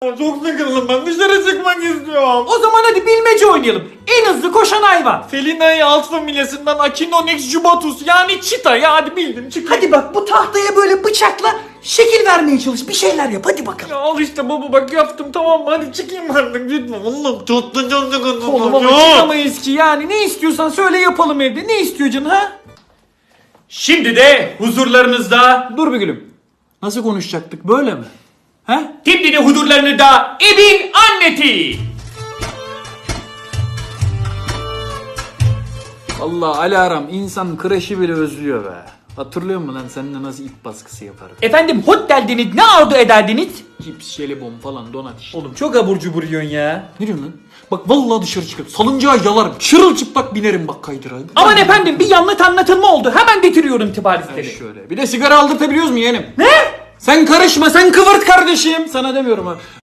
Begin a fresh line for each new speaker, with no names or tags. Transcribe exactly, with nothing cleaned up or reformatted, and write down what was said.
Çok sıkıldım ben, dışarı çıkmak istiyorum.
O zaman hadi bilmece oynayalım. En hızlı koşan hayvan.
Felina'yı alt familyasından Acinonyx jubatus yani çita ya, hadi bildim çık.
Hadi bak bu tahtaya böyle bıçakla şekil vermeye çalış. Bir şeyler yap hadi bakalım.
Ya al işte baba, bak yaptım tamam mı, hadi çıkayım artık lütfen. Oğlum çok da çok sıkıldım.
Oğlum ama çıkamayız ki yani. Ne istiyorsan söyle yapalım evde. Ne istiyor canın ha?
Şimdi de huzurlarınızda
Dur bir gülüm. Nasıl konuşacaktık böyle mi? He?
Şimdi de huzurlarınızda evin anneti.
Vallahi Alarm insan kreşi bile özlüyor be. Hatırlıyor musun lan seninle nasıl ip baskısı yaparım?
Efendim hot derdiniz, ne arzu ederdiniz?
Cips, jelibon falan donat işte.
Oğlum çok abur cubur yiyorsun ya.
Ne diyorsun lan? Bak vallahi dışarı çıkarım. Salıncağa yalarım. Çırılçıplak binerim bak kaydıra.
Aman efendim bir yanlış anlatılma oldu. Hemen getiriyorum tıbbi
Ay şöyle. Bir de sigara aldırtabiliyoruz mu yeğenim?
Ne?
Sen karışma, sen kıvırt kardeşim. Sana demiyorum ha.